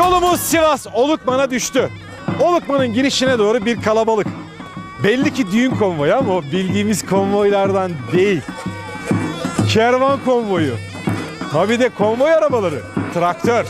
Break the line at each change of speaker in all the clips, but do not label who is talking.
Yolumuz Sivas Olukman'a düştü. Olukman'ın girişine doğru bir kalabalık. Belli ki düğün konvoyu ama o bildiğimiz konvoylardan değil. Kervan konvoyu. Tabii de konvoy arabaları. Traktör.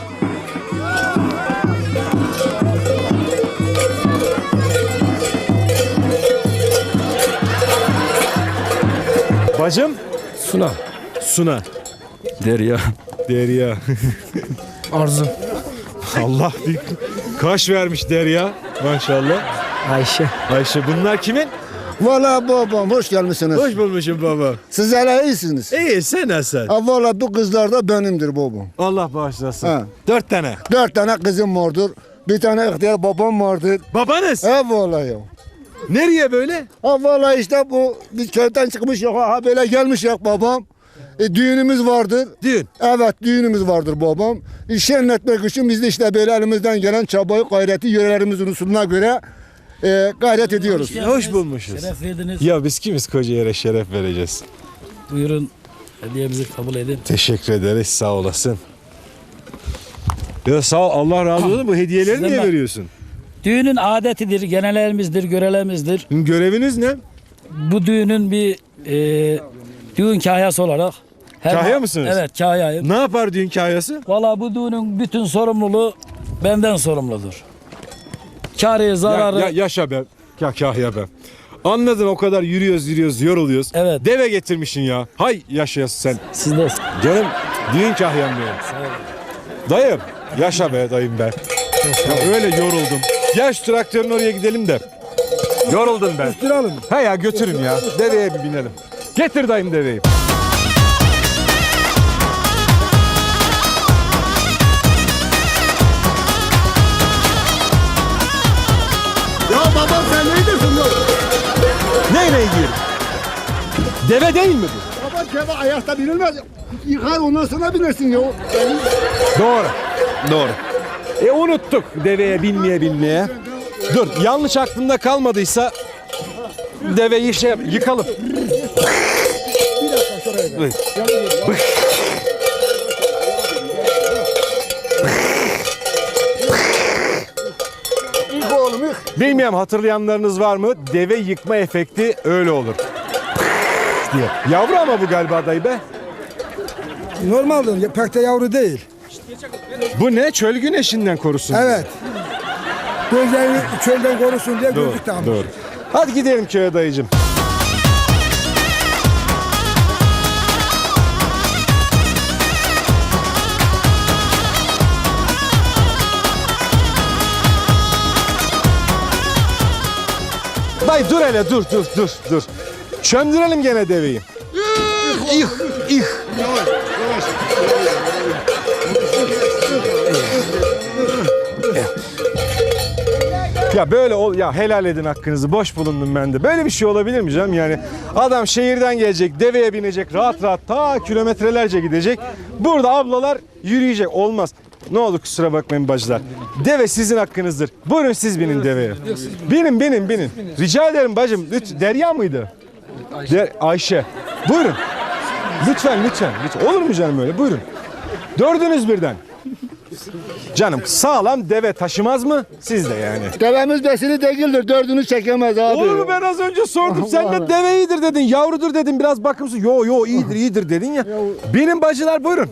Bacım?
Suna.
Suna.
Derya.
Derya.
Arzu.
Allah bir kaş vermiş Derya. Maşallah.
Ayşe.
Ayşe bunlar kimin?
Valla babam hoş gelmişsiniz.
Hoş bulmuşum baba.
Siz hele iyisiniz.
İyi sen nasılsın?
Ha, valla bu kızlar da benimdir babam.
Allah bağışlasın.
Ha.
4 tane.
4 tane kızım vardır. Bir tane ihtiyar babam vardır.
Babanız?
Ha valla ya.
Nereye böyle?
Ha valla işte bu biz köyden çıkmış yok. Ha böyle gelmiş yok babam. Düğünümüz vardır.
Düğün.
Evet düğünümüz vardır babam. Şenletmek için biz de işte böyle elimizden gelen çabayı gayreti yörelerimizin usulüne göre gayret ediyoruz.
Hoş bulmuşuz.
Şeref verdiniz.
Ya biz kimiz koca yere şeref vereceğiz.
Buyurun hediyemizi kabul edin.
Teşekkür ederiz sağ olasın. Ya sağ ol Allah razı olsun bu hediyeleri
Sizden
niye
bak-
veriyorsun?
Düğünün adetidir, genelerimizdir, görelemizdir.
Göreviniz ne?
Bu düğünün bir düğün kahyası olarak.
Kahya mısınız?
Evet kahyayım.
Ne yapar düğün kahyası?
Valla bu düğünün bütün sorumluluğu benden sorumludur. Karı, zararı.
Yaşa be. Kahya be. Anladın o kadar yürüyoruz yoruluyoruz.
Evet.
Deve getirmişsin ya. Hay yaşayasın sen.
Siz de
Canım düğün kahyam benim. Dayım yaşa be dayım be. Ya öyle yoruldum. Gel şu traktörün oraya gidelim de. Yoruldum ben.
Götürelim.
He ya götürün ya. Deveye bir binelim. Getir dayım deveyi.
Ya babam sen neydisin ya?
Neyle giyelim? Deve değil mi bu?
Baba keva ayakta binilmez. Yıkar ondan sonra binersin ya.
Doğru. Doğru. Unuttuk deveye binmeye. Dur yanlış aklımda kalmadıysa deveyi yıkalım. Buyur.
İlk oğlum ilk.
Bilmiyorum hatırlayanlarınız var mı? Deve yıkma efekti öyle olur. diye. Yavru ama bu galiba dayı be.
Normaldir, pek de yavru değil.
Bu ne? Çöl güneşinden korusun.
Evet. Gözlerini çölden korusun diye
Doğru,
gözlük takmış.
doğru. Hadi gidelim köye dayıcım. Dayı dur hele dur. Çömdürelim gene deveyi. İh. Ya böyle ya helal edin hakkınızı, boş bulundum ben de. Böyle bir şey olabilir mi canım yani? Adam şehirden gelecek, deveye binecek, rahat ta kilometrelerce gidecek. Burada ablalar yürüyecek, olmaz. Ne olur kusura bakmayın bacılar. Deve sizin hakkınızdır. Buyurun siz binin deveye. Binin. Rica ederim bacım. Derya mıydı? Ayşe. Buyurun. Lütfen. Olur mu canım öyle? Buyurun. Dördünüz birden. Canım sağlam deve taşımaz mı? Siz de yani.
Devemiz besili değildir. Dördünü çekemez abi.
Olur mu ben az önce sordum. Sen de deve iyidir dedin. Yavrudur dedin. Biraz bakımsız. Yo iyidir dedin ya. Benim bacılar buyurun.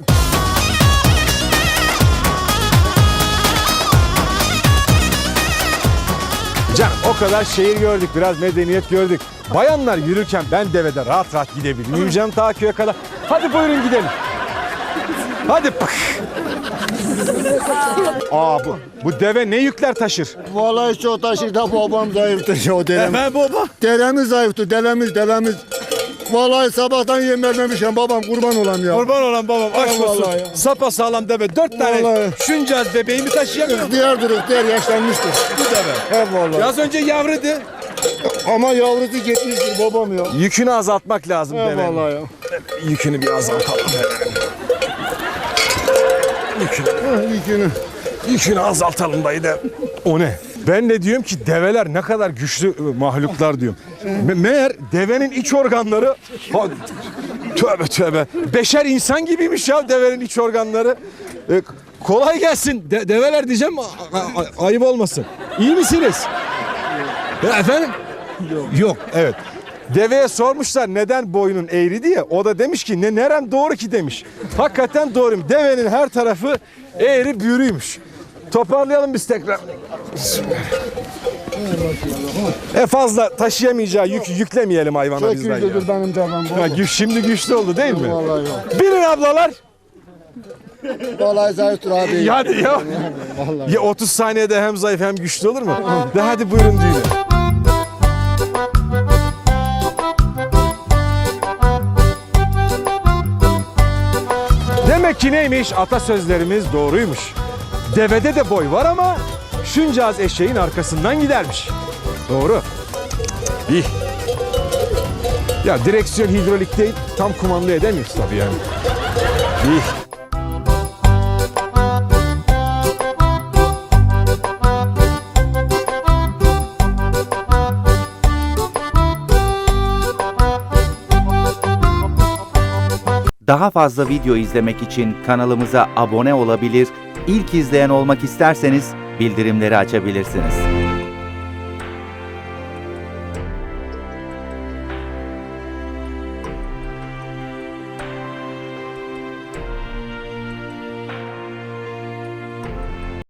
Canım o kadar şehir gördük. Biraz medeniyet gördük. Bayanlar yürürken ben devede rahat gidebilirim. Canım ta köye kadar. Hadi buyurun gidelim. Hadi. Bu deve ne yükler taşır?
Vallahi çok taşır da babam zayıftır ya dedem.
Baba.
Deremiz zayıftır, delemiz. Vallahi sabahtan yem vermemişim babam kurban olam ya.
Kurban olan babam aşk olsun.
Vallahi ya.
Sapa sağlam deve. 4 tane
Vallahi.
şuncaz bebeğimi taşıyamıyor.
İhtiyar yaşlanmıştır.
Bu deve.
He vallahi.
Az önce yavruydu.
Ama yavrusu gitmiştir babam ya.
Yükünü azaltmak lazım
He
devenin.
vallahi ya.
Yükünü bir azaltalım. Yükünü azaltalım dayı da. O ne? Ben de diyorum ki develer ne kadar güçlü mahluklar diyorum. Meğer devenin iç organları tövbe. Beşer insan gibiymiş ya devenin iç organları. Kolay gelsin. Develer diyeceğim ayıp olmasın. İyi misiniz? Ya efendim? Yok. Evet. Deveye sormuşlar neden boynun eğri diye. O da demiş ki nerem doğru ki demiş. Hakikaten doğruyum. Devenin her tarafı eğri büğrüymüş. Toparlayalım biz tekrar. Fazla taşıyamayacağı yükü yüklemeyelim hayvana bizden ya.
Güçlüdür benim canım bu.
Şimdi güçlü oldu değil mi?
Vallahi yok.
Binin ablalar.
Vallahi zayıftır abi.
Hadi ya. Ya 30 saniyede hem zayıf hem güçlü olur mu? De hadi buyurun düğüne. Demek ki neymiş? Atasözlerimiz doğruymuş. Devede de boy var ama şunca az eşeğin arkasından gidermiş. Doğru. İyi. Ya direksiyon hidrolik değil, tam kumanda edemiyoruz tabii yani. İyi.
Daha fazla video izlemek için kanalımıza abone olabilir, ilk izleyen olmak isterseniz bildirimleri açabilirsiniz.